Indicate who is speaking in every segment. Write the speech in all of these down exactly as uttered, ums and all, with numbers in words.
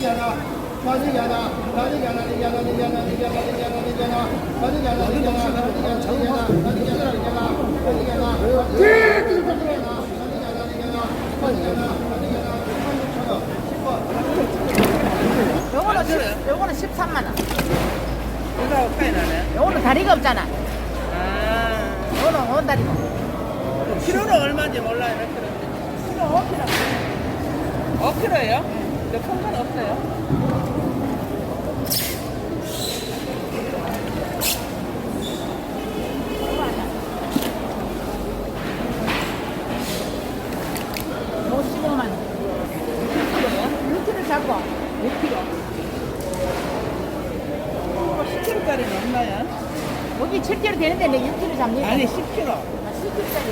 Speaker 1: 요거는 요거는 십삼만 원.
Speaker 2: 이거 파이 나네.
Speaker 1: 요거는 다리가 없잖아.
Speaker 2: 아.
Speaker 1: 요거는 원 다리고.
Speaker 2: 키로는 얼마인지 몰라요, 몇 킬로인지.
Speaker 1: 키로 오 킬로.
Speaker 2: 오 킬로예요? 근데 큰 건 없어요.
Speaker 1: 오십오만 원. 육 킬로 잡고 육 킬로.
Speaker 2: 십 킬로짜리는 없나요?
Speaker 1: 여기 칠 킬로 되는데 내 육 킬로 잡니?
Speaker 2: 아니, 십 킬로.
Speaker 1: 아, 십 킬로짜리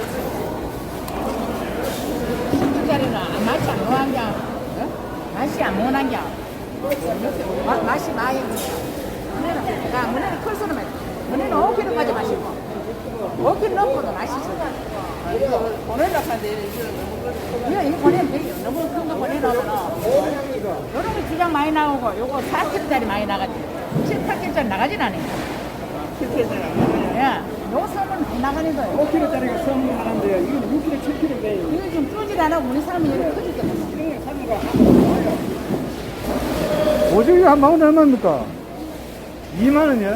Speaker 1: 십 킬로짜리는 맛이 안 모난 게 어? 맛이 안 모난 게 마, 맛이 많이 문에는 야 문에는 클 수는 말 문에는 오 킬로까지 마시고 오 킬로 넘고도 맛있어.
Speaker 2: 보내려고 하는데 이거 너무
Speaker 1: 이거 이거 보내면 돼요. 너무 큰 거 보내놓으면 요런 거 주장 많이 나오고 요거 사 킬로짜리 많이 나가지 칠, 팔 킬로짜리 나가진 않아요.
Speaker 2: 십 킬로짜리.
Speaker 1: 예, 요 섬은 안 나가는 거예요.
Speaker 3: 오 킬로짜리가 수업을 하는데요. 이건 육 킬로, 칠 킬로인데
Speaker 1: 이거 좀 뚫질 않아 우리 사람이 이렇게 커질 때 보면.
Speaker 3: 이런 거 사는 거 하나도 오징어 한 마운드 얼마입니까? 이만 원이요?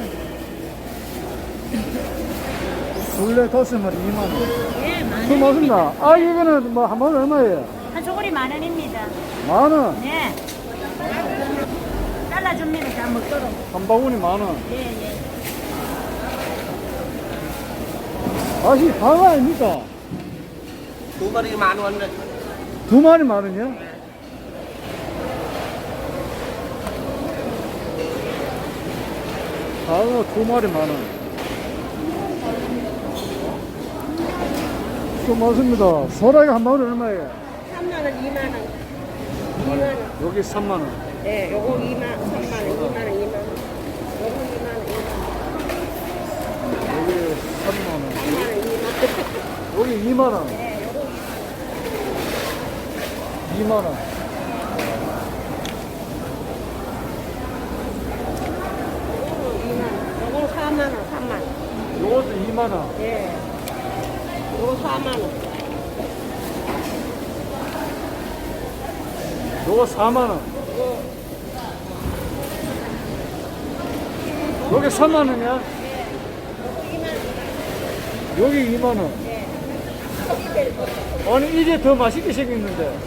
Speaker 3: 둘레 다섯 마리 이만 원.
Speaker 4: 예, 만
Speaker 3: 고맙습니다. 아, 이거는 뭐 한 마운드 얼마예요?
Speaker 4: 한 소골이 만 원입니다.
Speaker 3: 만 원.
Speaker 4: 네. 잘라줍니다. 다 먹도록.
Speaker 3: 한 바구니 만 원.
Speaker 4: 예, 예.
Speaker 3: 아시 방어 아닙니까?
Speaker 2: 두 마리 만 원.
Speaker 3: 두 마리 만 원이요? 방어 두 마리 만 원. 고맙습니다. 소라기 한 마리 얼마예요?
Speaker 5: 삼만 원, 이만 원. 이만 원.
Speaker 3: 여기 삼만 원.
Speaker 5: 네, 요거 이만, 삼만 원, 이만 원, 이만 원. 요거 이만 원, 이만 원.
Speaker 3: 여기 삼만 원.
Speaker 5: 삼만 원, 이만 원.
Speaker 3: 여기 이만 원.
Speaker 5: 네, 요거
Speaker 3: 이만 원.
Speaker 5: 이만 원. 요거 사만 원, 삼만 원.
Speaker 3: 요것도 이만 원.
Speaker 5: 네. 요거 사만 원.
Speaker 3: 요거 사만 원. 여기 삼만 원이야? 여기 이만 원. 아니, 이제 더 맛있게 생겼는데.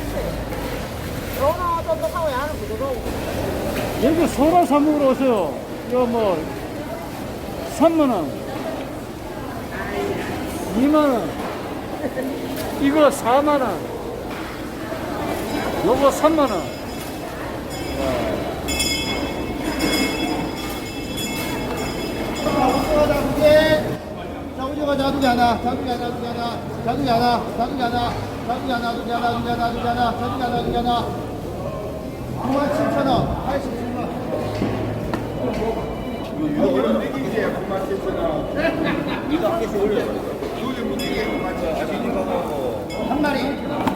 Speaker 5: 요거는 똑똑하고 야는 부드러워.
Speaker 3: 여기 소라 사 먹으러 오세요. 이거 뭐, 삼만 원. 이만 원. 이거 사만 원. 요거 삼만 원.
Speaker 6: 오징어 자두기 하나, 자두기 하나, 자두기 하나, 자두기 하나, 자두기 하나, 자두기 하나, 자두기 하나, 자두기 하나, 자두기 하나, 자두기 하나, 자두기 하나, 구만 칠천 원, 팔십칠 원. 한 마리.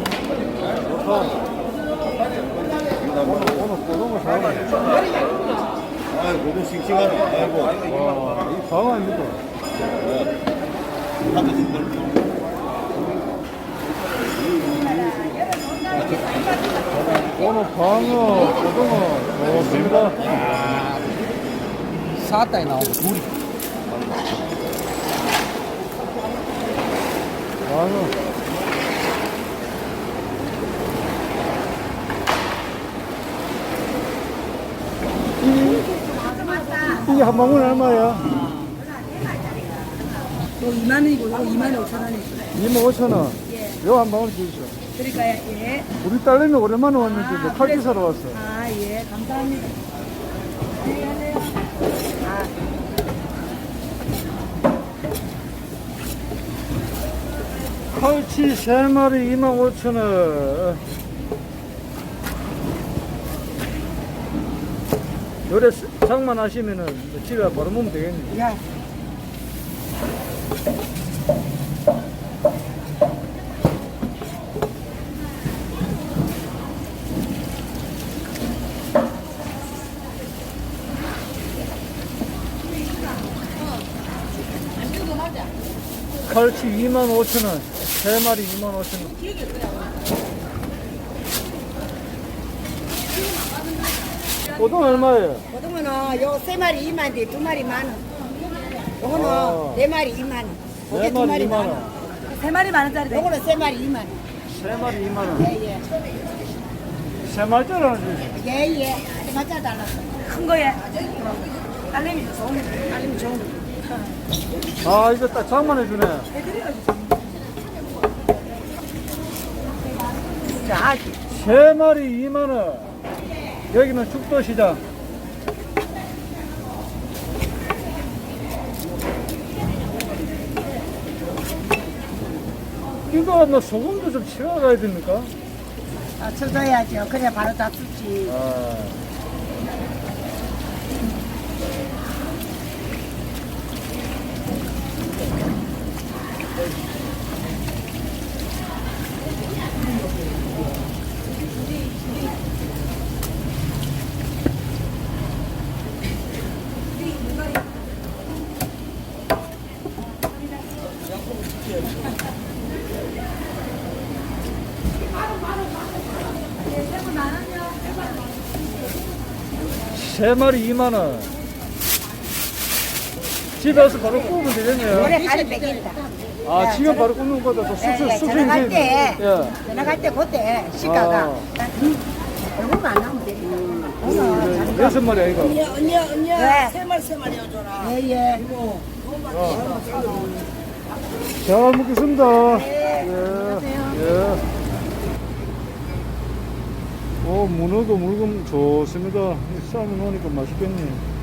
Speaker 3: 오늘 고등어 사네.
Speaker 7: 아이, 고등 싱싱하네. 아이고.
Speaker 3: 와, 이 방어 아닙니까? 오늘 방어, 고등어, 좋습니다.
Speaker 2: 사다에 나오고 둘이.
Speaker 3: 방어. 이게 한 방울 얼마야?
Speaker 5: 요거 이만 원이고, 요거 이만 오천 원이고.
Speaker 3: 이만 오천 원. 요 한 방울 주시죠.
Speaker 5: 그러니까요, 예.
Speaker 3: 우리 딸내미 오랜만에 왔는데 이제 칼기 사러 왔어.
Speaker 5: 아, 예. 감사합니다. 안녕하세요. 아.
Speaker 3: 칼치 세 마리 이만 오천 원. 요래 장만하시면은 집에 바로 먹으면 되겠네.
Speaker 5: 야.
Speaker 3: 팔치 이만 오천 원. 세 마리 이만 오천 원. 고등 얼마예요?
Speaker 5: 고등어는 요 세 마리 이만 원, 두 마리 만 원. 요거는
Speaker 3: 아.
Speaker 5: 네 마리 이만 원.
Speaker 3: 네
Speaker 5: 요게 두
Speaker 3: 마리
Speaker 5: 마리
Speaker 3: 이만
Speaker 5: 만
Speaker 3: 원.
Speaker 5: 원. 세 마리 만 원짜리. 요거는 세 마리 이만 원.
Speaker 3: 세 마리 이만 원.
Speaker 5: 예, 예.
Speaker 3: 세 마리짜리는 주세요.
Speaker 5: 예, 예. 세 마리 달랐어. 큰 거에. 딸내미 좋은 거. 딸내미 좋은 거.
Speaker 3: 아, 이거 딱 장만해 주네.
Speaker 5: 자,
Speaker 3: 세 마리 이만 원. 여기는 죽도시장. 이거 뭐 소금도 좀 치워가야 됩니까?
Speaker 5: 아, 쳐줘야죠. 그래 바로 다 쓰지.
Speaker 3: 아. 세 마리 이만 원. 집에 와서 바로 구우면 되겠네요.
Speaker 5: 오래 가리 먹인다.
Speaker 3: 아, 지금 바로 굽는 거다. 또 숙소,
Speaker 5: 예, 예,
Speaker 3: 숙소
Speaker 5: 전화갈
Speaker 3: 인생.
Speaker 5: 때,
Speaker 3: 예.
Speaker 5: 전화갈 때 그때 시가가
Speaker 3: 아.
Speaker 5: 얼굴만 안 나오면 돼.
Speaker 3: 음, 이제 여섯 마리 아이가.
Speaker 2: 언니, 언니, 언니.
Speaker 5: 네.
Speaker 2: 세 마리, 세 마리 해줘라.
Speaker 5: 예, 예.
Speaker 3: 잘 먹겠습니다. 예. 예. 오, 문어도 물건 좋습니다. 쌈을 넣으니까 맛있겠네.